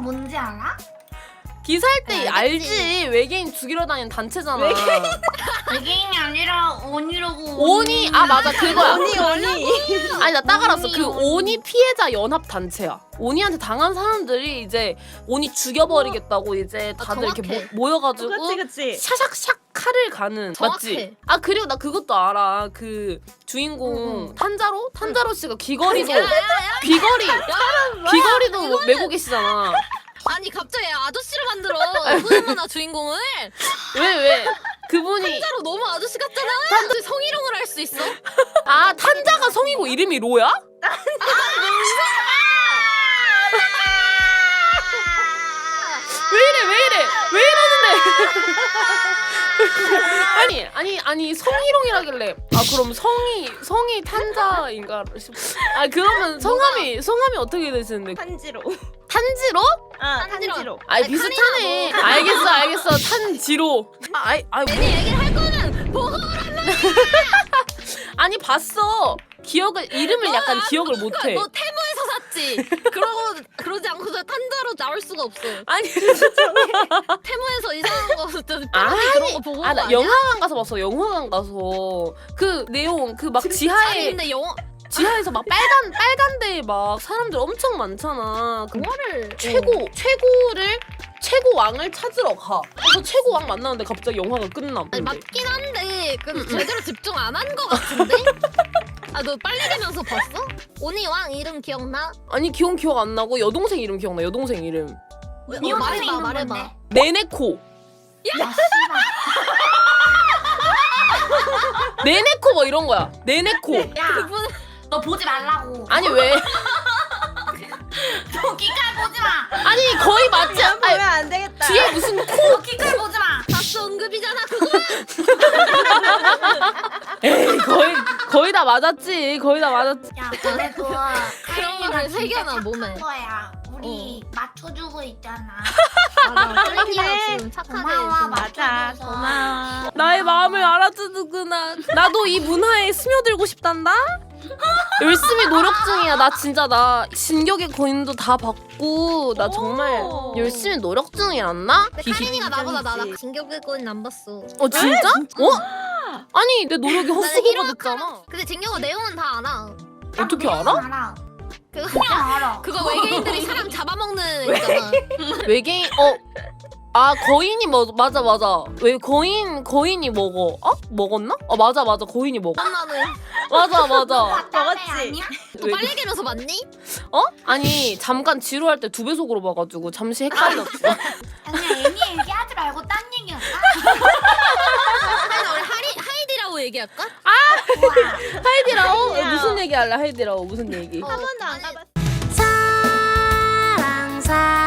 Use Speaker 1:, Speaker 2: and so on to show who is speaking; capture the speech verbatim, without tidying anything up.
Speaker 1: 뭔지 알아?
Speaker 2: 기사할 때
Speaker 3: 네,
Speaker 2: 알지.
Speaker 3: 알겠지.
Speaker 2: 외계인 죽이러 다니는 단체잖아.
Speaker 1: 외계인이 아니라 온이라고.
Speaker 2: 오니 아 맞아 그거야.
Speaker 3: 언니 언니.
Speaker 2: 아니 나 딱 알았어. 그
Speaker 1: 오니,
Speaker 2: 오니 피해자 연합 단체야. 오니한테 당한 사람들이 이제 오니 죽여버리겠다고 이제 다들 이렇게
Speaker 3: 정확해.
Speaker 2: 모, 모여가지고
Speaker 3: 그치 그치.
Speaker 2: 샤샥샥 칼을 가는
Speaker 3: 정확해.
Speaker 2: 맞지? 아 그리고 나 그것도 알아. 그 주인공
Speaker 3: 응.
Speaker 2: 탄자로 탄자로 씨가 귀걸이도
Speaker 3: 야야야.
Speaker 2: 귀걸이 귀걸이도 메고 계시잖아.
Speaker 3: 아니 갑자기 아저씨를 만들어. 소년만화 주인공을.
Speaker 2: 왜 왜? 그분이
Speaker 3: 진짜로 너무 아저씨 같잖아. 탄자 성희롱을 할 수 있어?
Speaker 2: 아 탄자가 성이고 이름이 로야? 왜 이래 왜 이래 왜 이러는데? 아니 아니 아니 성희롱이라길래 아 그럼 성이 성이 탄자인가 싶. 아 그러면 성함이 성함이 어떻게 되시는데?
Speaker 4: 탄지로.
Speaker 2: 탄지로?
Speaker 4: 아
Speaker 3: 탄지로.
Speaker 4: 탄지로.
Speaker 2: 아
Speaker 3: 아니,
Speaker 2: 비슷하네.
Speaker 3: 탄이나 뭐.
Speaker 2: 알겠어 알겠어 탄지로. 아 아이 아이 뭐.
Speaker 3: 괜히 얘기를 할 거는 보고
Speaker 2: 아니 봤어. 기억을 이름을 약간 기억을 못해.
Speaker 3: 너 테무에서 샀지. 그러고 그러지 않고서 탄자로 나올 수가 없어.
Speaker 2: 아니
Speaker 3: 테무에서 이상한 거 진짜
Speaker 2: 아니,
Speaker 3: 그런 거 보고
Speaker 2: 아 나
Speaker 3: 아니야?
Speaker 2: 영화관 가서 봤어. 영화관 가서 그 내용 그 막
Speaker 3: 아니
Speaker 2: 지하에
Speaker 3: 근데 영화
Speaker 2: 지하에서 막 빨간 빨간 데에 막 사람들 엄청 많잖아. 그
Speaker 3: 영화를
Speaker 2: 최고 최고를 최고 왕을 찾으러 가. 그래서 최고 왕 만나는데 갑자기 영화가 끝남.
Speaker 3: 아니
Speaker 2: 근데.
Speaker 3: 맞긴 한데 그
Speaker 2: 응, 응.
Speaker 3: 제대로 집중 안 한 거 같은데? 아 너 빨리 되면서 봤어? 오니 왕 이름 기억나?
Speaker 2: 아니 기억 기억 안 나고 여동생 이름 기억나. 여동생 이름
Speaker 3: 어,
Speaker 1: 네
Speaker 3: 말해봐
Speaker 1: 선생님
Speaker 3: 말해봐.
Speaker 1: 뭔데?
Speaker 2: 네네코.
Speaker 1: 야 씨발.
Speaker 2: 네네코 뭐 이런 거야. 네네코.
Speaker 1: 야,
Speaker 3: 그분
Speaker 1: 너 보지 말라고.
Speaker 2: 아니 왜?
Speaker 1: 너 기깔 보지 마.
Speaker 2: 아니 거의 맞지?
Speaker 4: 야 보면
Speaker 2: 아니,
Speaker 4: 안 되겠다.
Speaker 2: 뒤에 무슨 코?
Speaker 1: 너 기깔 보지 마.
Speaker 3: 다스 언급이잖아 그거.
Speaker 2: 에이 거의 거의 다 맞았지. 거의 다 맞았지.
Speaker 1: 야, 그래도
Speaker 3: 그런 거를 새겨놔, 몸에.
Speaker 1: 거야. 우리 맞춰주고 있잖아.
Speaker 3: 맞아.
Speaker 4: 그래.
Speaker 3: 지금 착하게
Speaker 1: 고마워,
Speaker 3: 지금
Speaker 4: 맞아.
Speaker 1: 맞춰줘서.
Speaker 4: 고마워.
Speaker 2: 나의 마음을 알아주는구나. 나도 이 문화에 스며들고 싶단다. 열심히 노력 중이야. 나 진짜 나 진격의 거인도 다 봤고 나 정말
Speaker 4: 오.
Speaker 2: 열심히 노력 중이야. 안나?
Speaker 3: 근데 카린이가 나보다 나
Speaker 4: 인정이지.
Speaker 3: 진격의 거인 안 봤어.
Speaker 2: 어 진짜? 어? 아니 내 노력이 헛수고가 됐잖아.
Speaker 3: 근데 진격의 내용은 다 알아.
Speaker 2: 어떻게
Speaker 1: 나
Speaker 2: 알아?
Speaker 1: 알아.
Speaker 3: 그거
Speaker 1: 그냥 알아.
Speaker 3: 그거 외계인들이 사람 잡아먹는 있잖아.
Speaker 2: 외계인 어. 아 거인이 뭐 맞아 맞아. 왜 거인 거인이 먹어? 어? 먹었나? 어 맞아 맞아 거인이 먹어.
Speaker 3: 나는
Speaker 2: 맞아 맞아.
Speaker 1: 맞다네
Speaker 4: 먹었지?
Speaker 1: 아니야?
Speaker 3: 또 빨리 개면서 맞니?
Speaker 2: 어? 아니 잠깐 지루할 때 두 배속으로 봐가지고 잠시 헷갈렸어.
Speaker 1: 아니야 애니 얘기하지 말고 딴 얘기할까?
Speaker 3: 아니 우리 하리 하이디라고 얘기할까?
Speaker 1: 우와.
Speaker 2: 하이디라오?
Speaker 4: 아니야.
Speaker 2: 무슨 얘기 할래? 하이디라오 무슨 얘기?
Speaker 3: 어,
Speaker 4: 한 번도 안
Speaker 3: 아니,
Speaker 4: 가봤어.
Speaker 2: 사랑 사랑